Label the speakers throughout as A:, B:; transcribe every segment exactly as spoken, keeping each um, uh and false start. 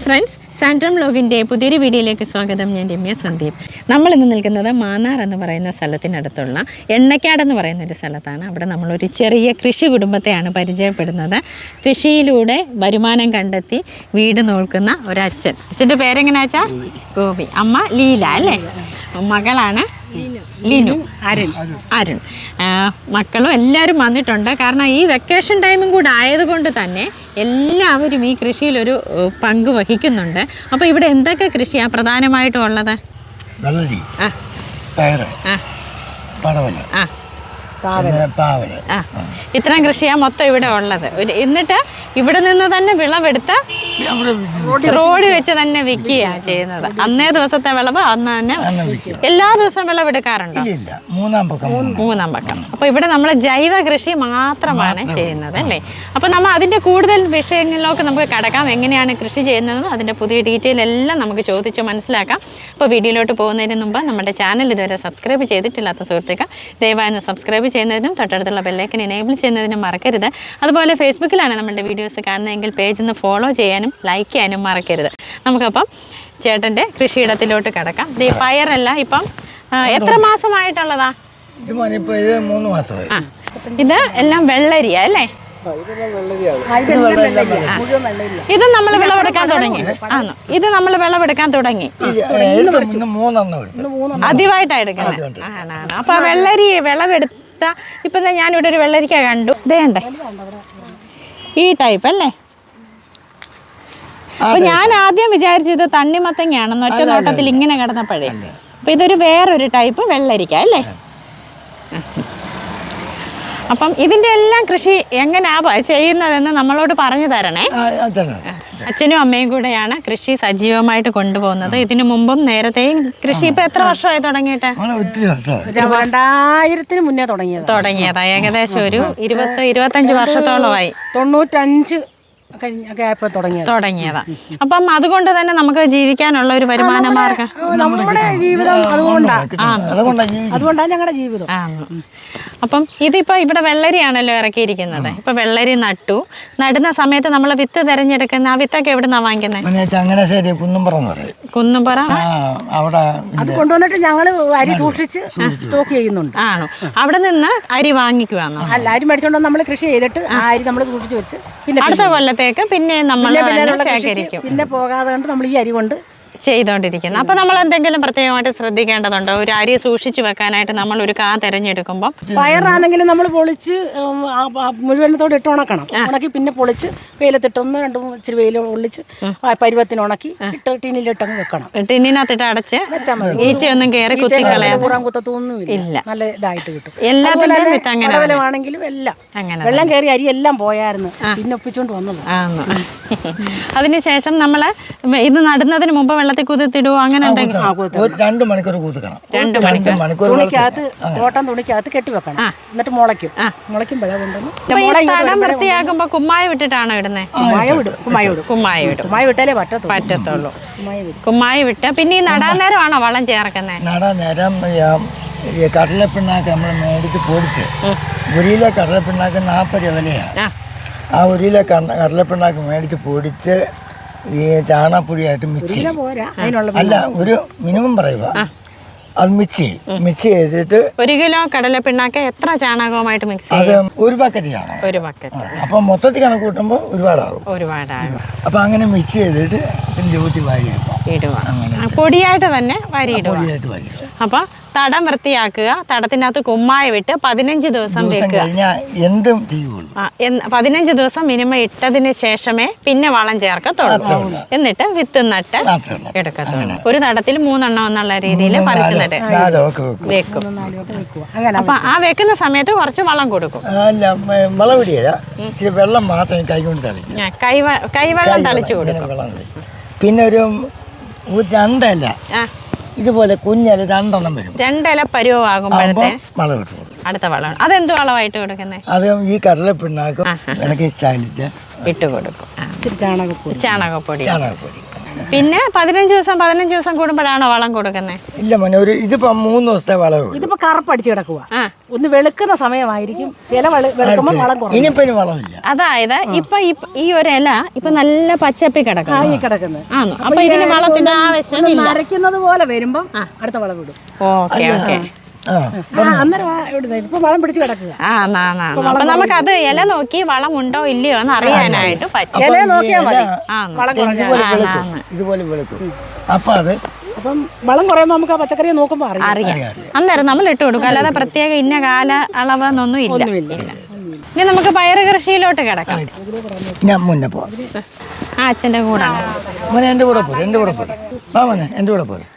A: Friends, സാൻഡ്രം വ്ലോഗിൻ്റെ പുതിയൊരു വീഡിയോയിലേക്ക് സ്വാഗതം. ഞാൻ രമ്യ സന്ദീപ്. നമ്മളിന്ന് നിൽക്കുന്നത് മാന്നാർ എന്ന് പറയുന്ന സ്ഥലത്തിനടുത്തുള്ള എണ്ണക്കാട് എന്ന് പറയുന്ന ഒരു സ്ഥലത്താണ്. അവിടെ നമ്മളൊരു ചെറിയ കൃഷി കുടുംബത്തെയാണ് പരിചയപ്പെടുന്നത്. കൃഷിയിലൂടെ വരുമാനം കണ്ടെത്തി വീട് നോക്കുന്ന ഒരച്ഛൻ. അച്ഛൻ്റെ പേരെങ്ങനെയാ വെച്ചാൽ ഗോപി, അമ്മ ലീല അല്ലേ, മകളാണ് ലിനു, അരുൺ അരുൺ മക്കളും എല്ലാവരും വന്നിട്ടുണ്ട്. കാരണം ഈ വെക്കേഷൻ ടൈമും കൂടെ ആയതുകൊണ്ട് തന്നെ എല്ലാവരും ഈ കൃഷിയിലൊരു പങ്ക് വഹിക്കുന്നുണ്ട്. അപ്പോൾ ഇവിടെ എന്തൊക്കെ കൃഷിയാണ് പ്രധാനമായിട്ടും ഉള്ളത്?
B: വെള്ളരി,
A: ആ
B: പയറ്,
A: ആ
B: പടവല,
A: ആ
B: പാവല്,
A: ആ ഇത്രയും കൃഷിയാണ് മൊത്തം ഇവിടെ ഉള്ളത്. എന്നിട്ട് ഇവിടെ നിന്ന് തന്നെ വിളവെടുത്ത് റോഡിൽ വെച്ച് തന്നെ വിൽക്കുകയാണ് ചെയ്യുന്നത്. അന്നേ ദിവസത്തെ വിളവ് അന്ന് തന്നെ എല്ലാ ദിവസവും വിളവെടുക്കാറുണ്ടോ? മൂന്നാം പക്കം മൂന്നാം പക്കം അപ്പോൾ ഇവിടെ നമ്മൾ ജൈവ കൃഷി മാത്രമാണ് ചെയ്യുന്നത് അല്ലേ. അപ്പോൾ നമ്മൾ അതിൻ്റെ കൂടുതൽ വിഷയങ്ങളിലേക്ക് നമുക്ക് കടക്കാം. എങ്ങനെയാണ് കൃഷി ചെയ്യുന്നതെന്നും അതിൻ്റെ പുതിയ ഡീറ്റെയിൽ എല്ലാം നമുക്ക് ചോദിച്ച് മനസ്സിലാക്കാം. അപ്പോൾ വീഡിയോയിലോട്ട് പോകുന്നതിന് മുമ്പ് നമ്മുടെ ചാനൽ ഇതുവരെ സബ്സ്ക്രൈബ് ചെയ്തിട്ടില്ലാത്ത സുഹൃത്തുക്കൾ ദയവായി ഒന്ന് സബ്സ്ക്രൈബ് ചെയ്യുന്നതിനും തൊട്ടടുത്തുള്ള ബെല്ലൈക്കൻ എനേബിൾ ചെയ്യുന്നതിനും മറക്കരുത്. അതുപോലെ ഫേസ്ബുക്കിലാണ് നമ്മുടെ വീഡിയോസ് കാണുന്നതെങ്കിൽ പേജ് ഒന്ന് ഫോളോ ചെയ്യാനും ലൈക്ക് ചെയ്യാനും മറക്കരുത്. നമുക്കപ്പം ചേട്ടൻ്റെ കൃഷിയിടത്തിലോട്ട് കിടക്കാം. ഈ പയറല്ല ഇപ്പം എത്ര മാസമായിട്ടുള്ളതാ?
B: മൂന്ന് മാസമായി.
A: ആ ഇത് എല്ലാം വെള്ളരിയാ അല്ലേ? ഇത് നമ്മൾ വിളവെടുക്കാൻ തുടങ്ങി. ആണോ? ഇത് നമ്മൾ വിളവെടുക്കാൻ തുടങ്ങി ആദ്യമായിട്ടാണ് എടുക്കുന്നത്. ആണാണ്. അപ്പൊ വെള്ളരി വിളവെടുത്ത ഇപ്പൊ ഞാനിവിടെ ഒരു വെള്ളരിക്ക കണ്ടു. ഇതേണ്ടേ ഈ ടൈപ്പ് അല്ലേ? അപ്പൊ ഞാൻ ആദ്യം വിചാരിച്ചത് തണ്ണിമത്തങ്ങയാണെന്ന് ഒറ്റ നോട്ടത്തിൽ ഇങ്ങനെ കിടന്നപ്പോഴേ. അപ്പൊ ഇതൊരു വേറൊരു ടൈപ്പ് വെള്ളരിക്ക അല്ലേ? അപ്പം ഇതിൻ്റെ എല്ലാം കൃഷി എങ്ങനെയാ ചെയ്യുന്നതെന്ന് നമ്മളോട് പറഞ്ഞു തരണേ. അച്ഛനും അമ്മയും കൂടെയാണ് കൃഷി സജീവമായിട്ട് കൊണ്ടുപോകുന്നത്. ഇതിനു മുമ്പും നേരത്തെയും കൃഷി ഇപ്പൊ എത്ര വർഷമായി തുടങ്ങിയിട്ട്?
C: രണ്ടായിരത്തിന് മുന്നേ തുടങ്ങിയത്
A: തുടങ്ങിയതാ ഏകദേശം ഒരു ഇരുപത്തി ഇരുപത്തഞ്ച് വർഷത്തോളമായി.
C: തൊണ്ണൂറ്റഞ്ച് തുടങ്ങിയതാ.
A: അപ്പം അതുകൊണ്ട് തന്നെ നമുക്ക് ജീവിക്കാനുള്ള ഒരു വരുമാന മാർഗം
C: നമ്മുടെ ജീവിതം അതുകൊണ്ടാണ് അതുകൊണ്ടാണ് ഞങ്ങളുടെ ജീവിതം.
A: അപ്പം ഇതിപ്പോ ഇവിടെ വെള്ളരിയാണല്ലോ ഇറക്കിയിരിക്കുന്നത്. ഇപ്പൊ വെള്ളരി നട്ടു. നടുന്ന സമയത്ത് നമ്മൾ വിത്ത് തിരഞ്ഞെടുക്കുന്ന ആ വിത്തൊക്കെ എവിടുന്നാ വാങ്ങിക്കുന്നത്? കുന്നുംപുറ
C: അത് കൊണ്ടുവന്നിട്ട് ഞങ്ങള് അരി സൂക്ഷിച്ച് സ്റ്റോക്ക് ചെയ്യുന്നുണ്ട്.
A: ആണോ? അവിടെ നിന്ന് അരി വാങ്ങിക്കുവാന്നോ?
C: അല്ല, അരി മേടിച്ചോണ്ട് നമ്മൾ കൃഷി ചെയ്തിട്ട് ആ അരി നമ്മൾ സൂക്ഷിച്ച് വെച്ച് പിന്നെ
A: അടുത്ത കൊല്ലത്തേക്ക് പിന്നെ നമ്മൾ ശേഖരിക്കും.
C: പിന്നെ പോകാതെ കൊണ്ട് നമ്മൾ ഈ അരി കൊണ്ട്
A: ചെയ്തോണ്ടിരിക്കുന്നത്. അപ്പൊ നമ്മൾ എന്തെങ്കിലും പ്രത്യേകമായിട്ട് ശ്രദ്ധിക്കേണ്ടതുണ്ടോ? ഒരു അരി സൂക്ഷിച്ചു വെക്കാനായിട്ട് നമ്മൾ ഒരു കാ തിരഞ്ഞെടുക്കുമ്പോൾ
C: പയറാണെങ്കിലും നമ്മൾ പൊളിച്ച് മുഴുവനത്തോടെ ഇട്ട് ഉണക്കണം. ഉണക്കി പിന്നെ പൊളിച്ച് വെയിലത്തിട്ടൊന്ന് രണ്ടു ഇച്ചിരി വെയിൽ ഒളിച്ച് പരുവത്തിന് ഉണക്കി ഇട്ട് ടിന്നിലിട്ടങ്ങ് വെക്കണം.
A: ടിന്നിനകത്തിട്ട് അടച്ച് ഈച്ചയൊന്നും കയറി കുത്തിക്കളയാൻ
C: കുത്തൊന്നും ഇല്ല. നല്ല ഇതായിട്ട് കിട്ടും.
A: എല്ലാത്തിന്റെയും വിത്ത് അങ്ങനെ
C: ആണെങ്കിലും എല്ലാം അങ്ങനെ വെള്ളം കയറി അരി എല്ലാം പോയായിരുന്നു. പിന്നെ ഒപ്പിച്ചോണ്ട് വന്നത്.
A: അതിനുശേഷം നമ്മള് ഇത് നടുന്നതിന് മുമ്പ് വെള്ളത്തിൽ കുതിർത്തിടുവോ? അങ്ങനെ
B: രണ്ട് മണിക്കൂർ കുതിർക്കണം.
A: രണ്ട് മണിക്കൂർ
C: തുണിക്കകത്ത് കോട്ടൺ തുണിക്കകത്ത് കെട്ടിവെക്കണം. എന്നിട്ട് മുളയ്ക്കും. മുളയ്ക്കുമ്പോഴാ കൊണ്ടുവന്ന്
A: തടം വൃത്തിയാക്കുമ്പോ കുമ്മായി വിട്ടിട്ടാണോ ഇടുന്നത്?
C: കുമ്മായ വിടും. കുമ്മായ വിടും.
A: കുമ്മായി വിടും.
C: കുമ്മായ വിട്ടാലേ പറ്റത്തുള്ളൂ
A: പറ്റത്തുള്ളൂ. കുമ്മായി വിട്ട് പിന്നെ ഈ നടാൻ നേരമാണോ വളം ചേർക്കുന്നത്?
B: നടാൻ നേരം ഈ കടലപ്പിണ്ണാക്ക് നമ്മൾ മേടിച്ച് പൊടിച്ച് ഒരു കിലോ കടലപ്പിണ്ണാക്ക് നാൽപ്പത് രൂപ വിലയാണ്. ആ ഒരു കിലോ കടലപ്പിണ്ണാക്ക് മേടിച്ച് പൊടിച്ച് ഈ ചാണകപ്പൊടിയായിട്ട് മിക്സ് അല്ല ഒരു മിനിമം പറയുക, അത് മിക്സ് മിക്സ് ചെയ്തിട്ട്
A: ഒരു കിലോ കടല പിണ്ണാക്ക് എത്ര ചാണകവുമായിട്ട് മിക്സ്
B: അത് ഒരു ബക്കറ്റ് ചാണകം.
A: ഒരു ബക്കറ്റ്.
B: അപ്പൊ മൊത്തത്തിൽ കണക്ക് കൂട്ടുമ്പോൾ ഒരുപാടാകും.
A: ഒരുപാടാകും.
B: അപ്പൊ അങ്ങനെ മിക്സ് ചെയ്തിട്ട് പിന്നെ ഊറ്റി വാരി
A: ഇടുക. പൊടിയായിട്ട് തന്നെ വാരി ഇടുക.
B: പൊടിയായിട്ട് വാരി ഇടുക.
A: അപ്പൊ തടം വൃത്തിയാക്കുക. തടത്തിനകത്ത് കുമ്മായ വിട്ട് പതിനഞ്ച് ദിവസം വെക്കുക.
B: എന്തും ചെയ്യുള്ളൂ.
A: പതിനഞ്ച് ദിവസം മിനിമം ഇട്ടതിന് ശേഷമേ പിന്നെ വളം ചേർക്കത്തുള്ളൂ. എന്നിട്ട് വിത്ത് നട്ട് എടുക്കത്തുള്ളൂ. ഒരു തടത്തിൽ മൂന്നെണ്ണം എന്നുള്ള രീതിയിൽ പറിച്ചു നട്ട് വെക്കും. അപ്പൊ ആ വെക്കുന്ന സമയത്ത് കുറച്ച് വളം കൊടുക്കും.
B: അല്ല, വളം ഇടിയല്ല, ഇച്ചിരി വെള്ളം മാത്രം കൈകൊണ്ട് തളിക്കും.
A: കൈ കൈവെള്ളം തളിച്ചു കൊടുക്കും.
B: പിന്നെ ഒരു രണ്ടല്ല ഇതുപോലെ കുഞ്ഞില രണ്ടെണ്ണം വരും.
A: രണ്ടില പരുവാകുമ്പോഴത്തെ
B: വളം ഇട്ടു കൊടുക്കും.
A: അടുത്ത വളം അതെന്ത് വളമായിട്ട് കൊടുക്കുന്നത്?
B: അത് ഈ കടലപ്പിണ്ണാക്കും ഇണക്കി ചാലിച്ച്
A: ഇട്ട് കൊടുക്കും. ചാണകപ്പൊടി.
B: ചാണകപ്പൊടി
A: പിന്നെ പതിനഞ്ച് ദിവസം പതിനഞ്ച് ദിവസം കൂടുമ്പോഴാണോ വളം കൊടുക്കുന്നത്?
B: ഇല്ല മോനെ, ഒരു ഇതിപ്പോ മൂന്ന് ദിവസത്തെ വളവ്.
C: ഇതിപ്പോ കറുപ്പടിച്ച് കിടക്കുക. ഒന്ന് വെളുക്കുന്ന സമയമായിരിക്കും, ഇല വെളുക്കുമ്പോൾ വളം കുറയും.
B: ഇനിയിപ്പോ ഇനി വളമില്ല.
A: അതായത് ഇപ്പൊ ഈ ഒരു ഇല ഇപ്പൊ നല്ല പച്ചപ്പി കിടക്കും.
C: ഈ കിടക്കുന്നത്
A: ആണോ? അപ്പൊ ഇതിന് വളത്തിന്റെ ആവശ്യമില്ല.
C: നരയ്ക്കുന്നത് പോലെ വരുമ്പം അടുത്ത വളം ഇടും.
A: Okay okay.
C: അന്നേരം ഇപ്പൊ വളം പിടിച്ച് കിടക്കുക.
A: അപ്പൊ നമുക്ക് അത് ഇല നോക്കി വളം ഉണ്ടോ ഇല്ലയോ എന്ന് അറിയാനായിട്ട് പറ്റും.
C: ഇല നോക്കിയാൽ മതി.
B: ഇതുപോലെ വെളുക്കും. അപ്പൊ അത്
C: അപ്പം വളം കുറയുമ്പോ നമുക്ക് ആ പച്ചക്കറിയെ നോക്കുമ്പോ
A: അറിയാം. അന്നേരം നമ്മൾ ഇട്ട് കൊടുക്കും. അല്ലാതെ പ്രത്യേക ഇന്ന കാല അളവെന്നൊന്നും ഇല്ല. ഇനി നമുക്ക് പയറ് കൃഷിയിലോട്ട് കിടക്കാം.
B: ഞാൻ മുന്നേ പോവാം.
A: ആ അച്ഛൻ്റെ കൂടെ
B: മോനെ എൻ്റെ കൂടെ പോരെ, എൻ്റെ കൂടെ പോരെ. ആ മോനെ എൻ്റെ കൂടെ പോരെ.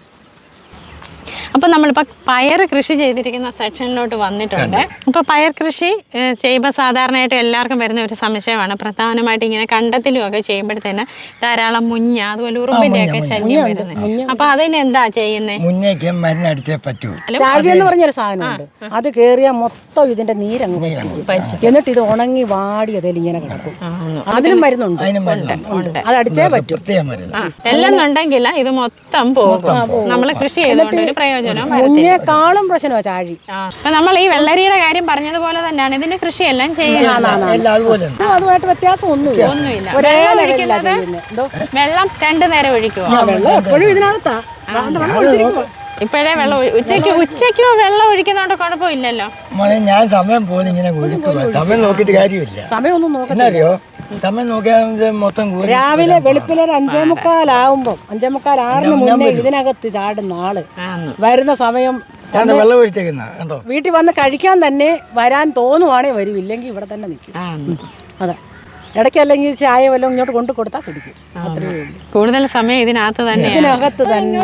A: അപ്പം നമ്മളിപ്പോൾ പയർ കൃഷി ചെയ്തിരിക്കുന്ന സെക്ഷനിലോട്ട് വന്നിട്ടുണ്ട്. അപ്പോൾ പയർ കൃഷി ചെയ്യുമ്പോൾ സാധാരണയായിട്ട് എല്ലാവർക്കും വരുന്ന ഒരു സംശയമാണ്. പ്രധാനമായിട്ട് ഇങ്ങനെ കണ്ടത്തിലും ഒക്കെ ചെയ്യുമ്പോഴത്തേന് ധാരാളം മുഞ്ഞ അതുപോലെ ഉറുമ്പിൻ്റെ ഒക്കെ ശല്യം വരുന്നത്. അപ്പോൾ അതിന് എന്താ ചെയ്യുന്നത്?
B: മുന്നേക്ക് മരുന്നടിച്ചേ പറ്റൂ.
C: ചാഴി എന്ന് പറഞ്ഞൊരു സാധനമുണ്ട്. അത് കയറിയാൽ മൊത്തം ഇതിന്റെ നീരങ്ങ് എന്നിട്ട് ഇത് ഉണങ്ങി വാടി അതിൽ ഇങ്ങനെ കിടക്കും. അതിനും മരുന്നുണ്ട്, അത് അടിച്ചേ പറ്റും.
A: എല്ലെന്നുണ്ടെങ്കിൽ ഇത് മൊത്തം പോകും. നമ്മൾ കൃഷി ചെയ്തുകൊണ്ട് ഒരു പ്രയോജനം
C: മുന്നേക്കാളും പ്രശ്നമാണ് ചാഴി.
A: അപ്പൊ നമ്മൾ ഈ വെള്ളരിയുടെ കാര്യം പറഞ്ഞതുപോലെ തന്നെയാണ് ഇതിന്റെ കൃഷിയെല്ലാം ചെയ്യുന്നത്.
C: അതുമായിട്ട് വ്യത്യാസം ഒന്നുമില്ല.
A: ഒന്നുമില്ല. വെള്ളം രണ്ടു നേരം ഒഴിക്കുക.
C: വെള്ളം എപ്പോഴും ഇതിനകത്താ.
A: ഇപ്പോഴേ വെള്ളം ഉച്ചയ്ക്ക് ഉച്ചയ്ക്കോ വെള്ളം ഒഴിക്കുന്നോണ്ട് കുഴപ്പമില്ലല്ലോ.
B: മോനെ ഞാൻ സമയം പോലെ ഇങ്ങനെ സമയം നോക്കിയിട്ട് കാര്യമില്ല.
C: സമയം ഒന്നും നോക്കണ്ടോ?
B: സമയം നോക്കിയാൽ മൊത്തം
C: രാവിലെ വെളുപ്പിലെ ഒരു അഞ്ചേ മുക്കാലാവുമ്പോ അഞ്ചേ മുക്കാൽ ആറിന് മുന്നേ ഇതിനകത്ത് ചാടുന്ന ആള് വരുന്ന സമയം
B: വെള്ളം ഒഴിച്ചേക്കുന്ന കണ്ടോ.
C: വീട്ടിൽ വന്ന് കഴിക്കാൻ തന്നെ വരാൻ തോന്നുവാണേ വരും, ഇല്ലെങ്കിൽ ഇവിടെ തന്നെ നിൽക്കും. അതെ, ഇടയ്ക്ക് അല്ലെങ്കിൽ ചായ വല്ലതും ഇങ്ങോട്ട് കൊണ്ടു കൊടുത്താൽ കുടിക്കും.
A: കൂടുതൽ സമയം ഇതിനകത്ത് തന്നെ
C: ഇതിനകത്ത് തന്നെ.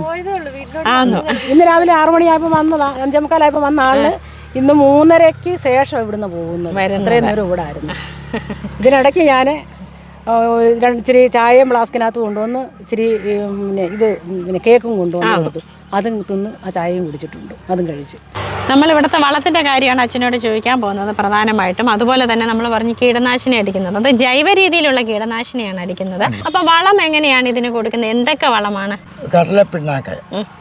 C: ഇന്ന് രാവിലെ ആറു മണിയായപ്പോ വന്നതാ, അഞ്ചേ മുക്കാലായപ്പോ വന്ന ആള് ഇന്ന് മൂന്നരയ്ക്ക് ശേഷം ഇവിടുന്ന് പോകുന്നത്. ഇത്രയും നേരം ഇവിടെ ആയിരുന്നു. ഇതിനിടയ്ക്ക് ഞാൻ ഇച്ചിരി ചായയും ഫ്ലാസ്കിനകത്ത് കൊണ്ടുവന്ന് ഇച്ചിരി പിന്നെ ഇത് പിന്നെ കേക്കും കൊണ്ടുവന്ന് കൊടുത്തു. അതും തിന്ന് ആ ചായയും കുടിച്ചിട്ടുണ്ട്, അതും കഴിച്ച്.
A: നമ്മൾ ഇവിടുത്തെ വളത്തിൻ്റെ കാര്യമാണ് അച്ഛനോട് ചോദിക്കാൻ പോകുന്നത് പ്രധാനമായിട്ടും. അതുപോലെ തന്നെ നമ്മൾ പറഞ്ഞ് കീടനാശിനി അടിക്കുന്നത്, അത് ജൈവ രീതിയിലുള്ള കീടനാശിനിയാണ് അടിക്കുന്നത്. അപ്പോൾ വളം എങ്ങനെയാണ് ഇതിന് കൊടുക്കുന്നത്? എന്തൊക്കെ വളമാണ്?
B: കടലപ്പിണ്ണാക്ക്,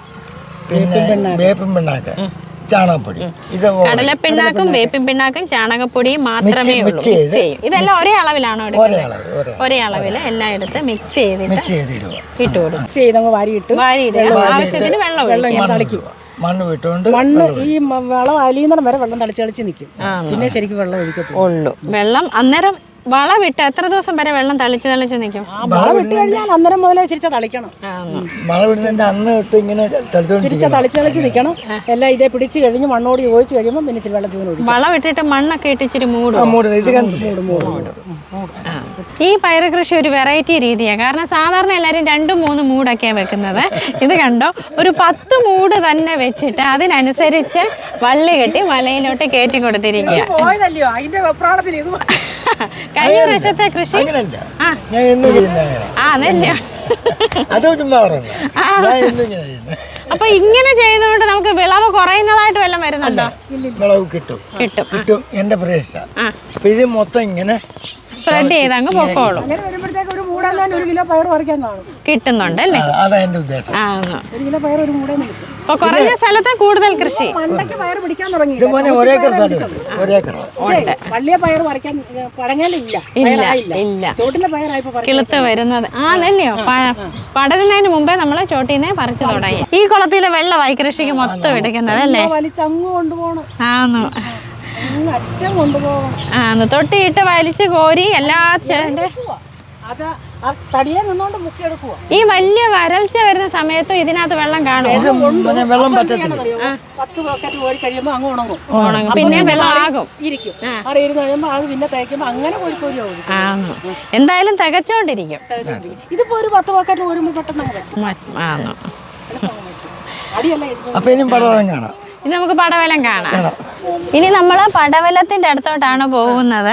B: പിന്നെ വേപ്പിൻ പിണ്ണാക്ക്, ചാണകപ്പൊടി. ഇത്
A: കടലപ്പിണ്ണാക്കും വേപ്പിൻ പിണ്ണാക്കും ചാണകപ്പൊടിയും മാത്രമേ ഉള്ളൂ. ഇതെല്ലാം ഒരേ അളവിലാണോ എടുക്കുന്നത്? ഒരേ അളവിൽ എല്ലാം എടുത്ത് മിക്സ് ചെയ്തിട്ട് ഇട്ട് കൊടുക്കും. വാരിയിട്ട് ആവശ്യത്തിന് വെള്ളം ഒഴിക്കും.
B: മണ്ണ് വിട്ടുകൊണ്ട്
C: മണ്ണ് ഈ വളം അലിയുന്നിടം വരെ വെള്ളം തളിച്ച് തളിച്ച് നിൽക്കും. പിന്നെ ശരിക്കും വെള്ളം ഒഴിക്കത്തുള്ളൂ.
A: വെള്ളം അന്നേരം വളം വിട്ട് എത്ര ദിവസം വരെ വെള്ളം തളിച്ച് തളിച്ച് നിൽക്കും?
C: വളം വിട്ട് കഴിഞ്ഞാൽ അന്നേരം മുതലേ ചിരിച്ച തളിക്കണം.
B: വളം വിടുന്നതിന്റെ അന്ന് തൊട്ട് ഇങ്ങനെ
C: ചിരിച്ച തളിച്ച് തളിച്ച് നിൽക്കണം. എല്ലാം ഇതേ പിടിച്ച് കഴിഞ്ഞ് മണ്ണോട് യോജിച്ച് കഴിയുമ്പോൾ പിന്നെ ഇച്ചിരി വെള്ളം ചൂട്
A: വളം ഇട്ടിട്ട് മണ്ണൊക്കെ ഇട്ട് ഇച്ചിരി മൂടും. ഈ പയറ് കൃഷി ഒരു വെറൈറ്റി രീതിയാണ്. കാരണം സാധാരണ എല്ലാവരും രണ്ടും മൂന്നും മൂടൊക്കെയാണ് വെക്കുന്നത്. ഇത് കണ്ടോ, ഒരു പത്ത് മൂട് തന്നെ വെച്ചിട്ട് അതിനനുസരിച്ച് വള്ളി കെട്ടി മലയിലോട്ട് കയറ്റി കൊടുത്തിരിക്കുക. കഴിഞ്ഞ വർഷത്തെ കൃഷി അപ്പൊ ഇങ്ങനെ ചെയ്യുന്നതുകൊണ്ട് നമുക്ക് വിളവ് കുറയുന്നതായിട്ട് വല്ലതും വരുന്നുണ്ടോ?
B: വിളവ് കിട്ടും കിട്ടും കിട്ടും എന്റെ പ്രതീക്ഷ. അപ്പൊ ഇത് മൊത്തം ഇങ്ങനെ
A: സ്പ്രെഡ് ചെയ്ത് അങ്ങ് പൊക്കോളും. കിട്ടുന്നുണ്ട് അല്ലേ?
B: അതാ എന്റെ ഉദ്ദേശം.
A: അപ്പൊ കുറഞ്ഞ സ്ഥലത്ത് കൂടുതൽ കൃഷി. കിളുത്ത് വരുന്നത് ആണല്ലയോ? പടരുന്നതിന് മുമ്പേ നമ്മള് ചോട്ടീനെ പറിച്ചു തുടങ്ങി. ഈ കുളത്തിലെ വെള്ളമായി കൃഷിക്ക് മൊത്തം എടുക്കുന്നത് അല്ലേ? ആന്നു ആന്ന് തൊട്ടിയിട്ട് വലിച്ചു കോരി എല്ലാ ഈ വലിയ വരൾച്ച വരുന്ന സമയത്തും ഇതിനകത്ത് വെള്ളം കാണും.
B: വെള്ളം പറ്റത്തില്ല.
A: ഉണങ്ങും, പിന്നെ വെള്ളം ആകും. ആന്നു എന്തായാലും തികച്ചോണ്ടിരിക്കും.
C: ഇതിപ്പോ ഒരു പത്ത് ബക്കറ്റ് വരുമ്പോൾ പെട്ടെന്ന്
A: ആന്നു.
B: അപ്പൊ ഇനി പടവലം കാണാം.
A: ഇനി നമുക്ക് പടവലം കാണാം. ഇനി നമ്മള് പടവലത്തിന്റെ അടുത്തോട്ടാണ് പോകുന്നത്.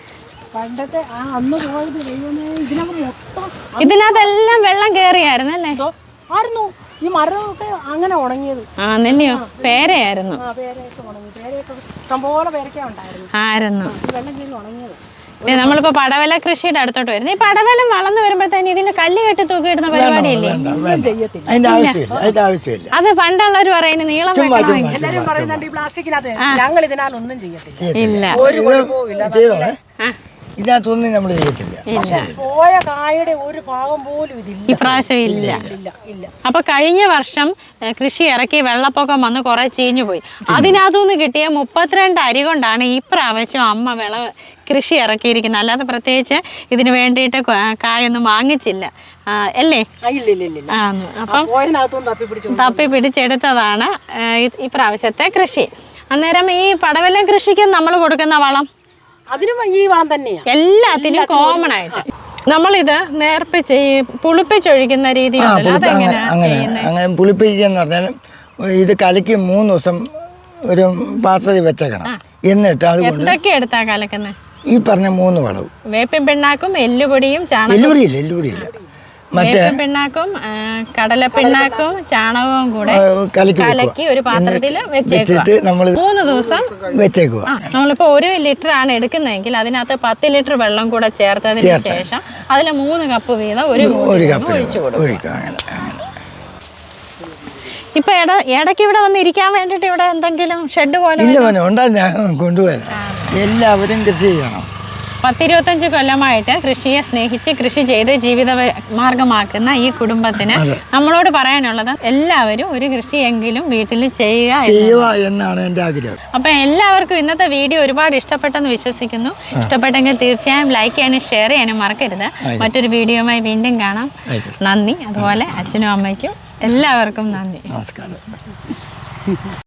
A: ഇതിനകത്തെല്ലാം വെള്ളം കേറിയായിരുന്നു അല്ലേ?
C: ഈ മരമൊക്കെ അങ്ങനെ ഉണങ്ങിയത്.
A: ആ നെല്ലിയോ? പേരയായിരുന്നു.
C: ഇഷ്ടംപോലെ പേരൊക്കെ ഉണ്ടായിരുന്നു.
A: ആയിരുന്നു.
C: വെള്ളം കയറി ഉണങ്ങിയത്.
A: ദേ നമ്മളിപ്പോ പടവല കൃഷിയുടെ അടുത്തോട്ട് വരുന്നത്. ഈ പടവലം വളർന്നു വരുമ്പോഴത്തേന് ഇതിന് കല്ല് കെട്ടി തൂക്കിയിടുന്ന പരിപാടിയില്ലേ?
B: അതിന്റെ ആവശ്യമില്ല, അതിന്റെ ആവശ്യമില്ല.
A: അത് പണ്ടുള്ളവർ പറയുന്നത് നീളം വെക്കണമെങ്കിൽ.
C: എല്ലാരും പറയുന്നുണ്ട് ഈ പ്ലാസ്റ്റിക്കിനകത്ത്, ഞങ്ങൾ ഇതിനാൽ ഒന്നും ചെയ്യത്തില്ല.
A: ഇല്ല
C: ഒരു കുഴപ്പവും ഇല്ല.
B: ചെയ്തോളെ, ഇതിനകത്തൊന്നും നമ്മൾ ചെയ്യത്തില്ല.
A: ഇല്ല,
C: പോയ കായുടെ ഒരു ഭാഗം പോലും ഇതില്ല,
A: ഇപ്രാവശ്യം ഇല്ല.
C: ഇല്ല ഇല്ല.
A: അപ്പൊ കഴിഞ്ഞ വർഷം ഏഹ്, കൃഷി ഇറക്കി വെള്ളപ്പൊക്കം വന്ന് കുറെ ചീഞ്ഞു പോയി. അതിനകത്തുനിന്ന് കിട്ടിയ മുപ്പത്തിരണ്ട് അരി കൊണ്ടാണ് ഈ പ്രാവശ്യം അമ്മ വിള കൃഷി ഇറക്കിയിരിക്കുന്നത്. അല്ലാതെ പ്രത്യേകിച്ച് ഇതിന് വേണ്ടിയിട്ട് ക- കായൊന്നും വാങ്ങിച്ചില്ല, ആ, അല്ലേ?
C: ആ, ഇല്ല ഇല്ല ഇല്ല ഇല്ല.
A: ആന്ന്. അപ്പം
C: പോയതിനകത്തൊന്നും തപ്പി പിടിച്ചു
A: തപ്പി പിടിച്ചെടുത്തതാണ് ഏഹ്, ഈ- ഈ പ്രാവശ്യത്തെ കൃഷി. അന്നേരം ഈ പടവലം കൃഷിക്ക് നമ്മൾ കൊടുക്കുന്ന വളം
C: അതിനും ഈ വളം തന്നെയാ.
A: എല്ലാത്തിനും കോമൺ ആയിട്ട് നമ്മളിത് നേർപ്പിച്ച് ഈ പുളിപ്പിച്ചൊഴിക്കുന്ന രീതി
B: ആ,
A: ഉണ്ടല്ലോ,
B: പുളിപ്പ് അങ്ങനെ
A: അതെങ്ങനെയാ
B: അങ്ങനെ
A: ചെയ്യുന്നത്?
B: അങ്ങനെ പുളിപ്പിക്കുക എന്ന് പറഞ്ഞാൽ ഇത് കലക്കി മൂന്ന് ദിവസം ഒരു പാത്രത്തിൽ വെച്ചേക്കണം. എന്നിട്ട് അതുകൊണ്ട്
A: എന്തൊക്കെ എടുത്താ കലക്കുന്നത്?
B: ഈ പറഞ്ഞ മൂന്ന് വളവും,
A: വേപ്പിൻ പിണ്ണാക്കും എല്ലുപൊടിയും ചാണകം
B: എല്ലുപൊടിയില്ല എല്ലുപൊടിയില്ല മറ്റേ
A: വേപ്പിൻ പിണ്ണാക്കും ആ, കടലപ്പിണ്ണാക്കും ചാണകവും കൂടെ
B: ആ, കലക്കി
A: കലക്കി ഒരു പാത്രത്തിൽ വെച്ചേക്കുക.
B: വെച്ചിട്ട് നമ്മൾ
A: മൂന്ന് ദിവസം
B: വെച്ചേക്കുക.
A: ആ നമ്മളിപ്പോ ഒരു ലിറ്റർ ആണ് എടുക്കുന്നതെങ്കിൽ അതിനകത്ത് പത്ത് ലിറ്റർ വെള്ളം കൂടെ ചേർത്തതിന് ശേഷം അതിൽ മൂന്ന് കപ്പ് വീതം ഒരു
B: ഒരു
A: മൂന്ന്
B: കപ്പ്
A: ഒഴിച്ചു കൊടുക്കും.
B: ഒഴിക്കുക. അങ്ങനെ അങ്ങനെ
A: ഇപ്പൊ ഇട ഇടയ്ക്ക് ഇവിടെ വന്ന് ഇരിക്കാൻ വേണ്ടിട്ട് ഇവിടെ എന്തെങ്കിലും ഷെഡ് പോലെ
B: ഇല്ല മോനെ ഉണ്ടാ, ഞാൻ കൊണ്ടുവരാം. എല്ലാവരും കൃഷി ചെയ്യണം.
A: പത്തിരുപത്തഞ്ച് കൊല്ലമായിട്ട് കൃഷിയെ സ്നേഹിച്ച് കൃഷി ചെയ്ത് ജീവിത വ- മാർഗമാക്കുന്ന ഈ കുടുംബത്തിന് നമ്മളോട് പറയാനുള്ളത് എല്ലാവരും ഒരു കൃഷിയെങ്കിലും വീട്ടിൽ ചെയ്യുക എന്ന്.
B: ചെയ്യുക എന്നാണ് എൻ്റെ ആഗ്രഹം.
A: അപ്പം എല്ലാവർക്കും ഇന്നത്തെ വീഡിയോ ഒരുപാട് ഇഷ്ടപ്പെട്ടെന്ന് വിശ്വസിക്കുന്നു. ഇഷ്ടപ്പെട്ടെങ്കിൽ തീർച്ചയായും ലൈക്ക് ചെയ്യാനും ഷെയർ ചെയ്യാനും മറക്കരുത്. മറ്റൊരു വീഡിയോയുമായി വീണ്ടും കാണാം.
B: ആയിക്കോട്ടെ.
A: നന്ദി. അതുപോലെ അച്ഛനും അമ്മയ്ക്കും എല്ലാവർക്കും നന്ദി.
B: നമസ്കാരം.